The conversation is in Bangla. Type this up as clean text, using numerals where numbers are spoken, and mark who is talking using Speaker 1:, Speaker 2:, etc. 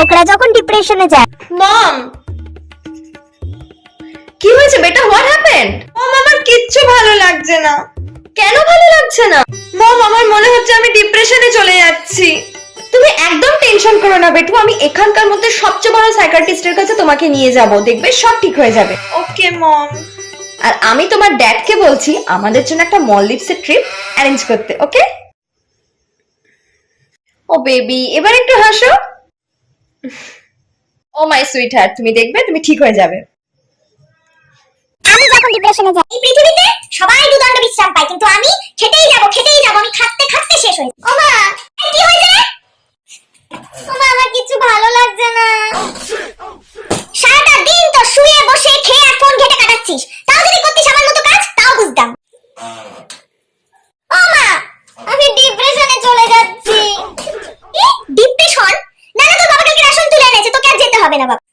Speaker 1: লোকরা যখন ডিপ্রেশনে যায়।
Speaker 2: মম, কি হয়েছে বেটা? What happened? মম, আমার কিচ্ছু ভালো লাগছে না। কেন ভালো লাগছে না? মম, আমার মনে হচ্ছে আমি ডিপ্রেশনে চলে যাচ্ছি। তুমি একদম টেনশন করো না বেটু, আমি এখানকার মধ্যে সবচেয়ে বড় সাইকিয়াট্রিস্টের কাছে তোমাকে নিয়ে যাব, দেখবে সব ঠিক হয়ে যাবে। ওকে মম। আর আমি তোমার ড্যাডকে বলছি আমাদের জন্য একটা মলদ্বীপসের ট্রিপ অ্যারেঞ্জ করতে, ওকে? ও বেবি, এবার একটু হাসো। ও মাই সুইট হার্ট, তুমি দেখবে তুমি ঠিক হয়ে যাবে।
Speaker 1: আমি যখন ডিপ্রেশনে যাই, এই পৃথিবীতে সবাই দুদণ্ড বিশ্রাম পায়, কিন্তু আমি খেতেই যাব, আমি খাটতে খাটতে শেষ হই। ও মা, এই কি হয়েছে রে? ও মা, আমার কিছু ভালো লাগছে না। সারাটা দিন তো শুয়ে বসে খেয়ে আর ফোন ঘেটে কাটাচ্ছিস, তাও যদি করতিস আমার মতো কাজ তাও বুঝতাম। ও মা, আমি ডিপ্রেশনে চলে যাচ্ছি। ডিপ্রেশন? না না, তোর বাবা কালকে রেশন তুলে এনেছে, তোকে আর যেতে হবে না বাবা।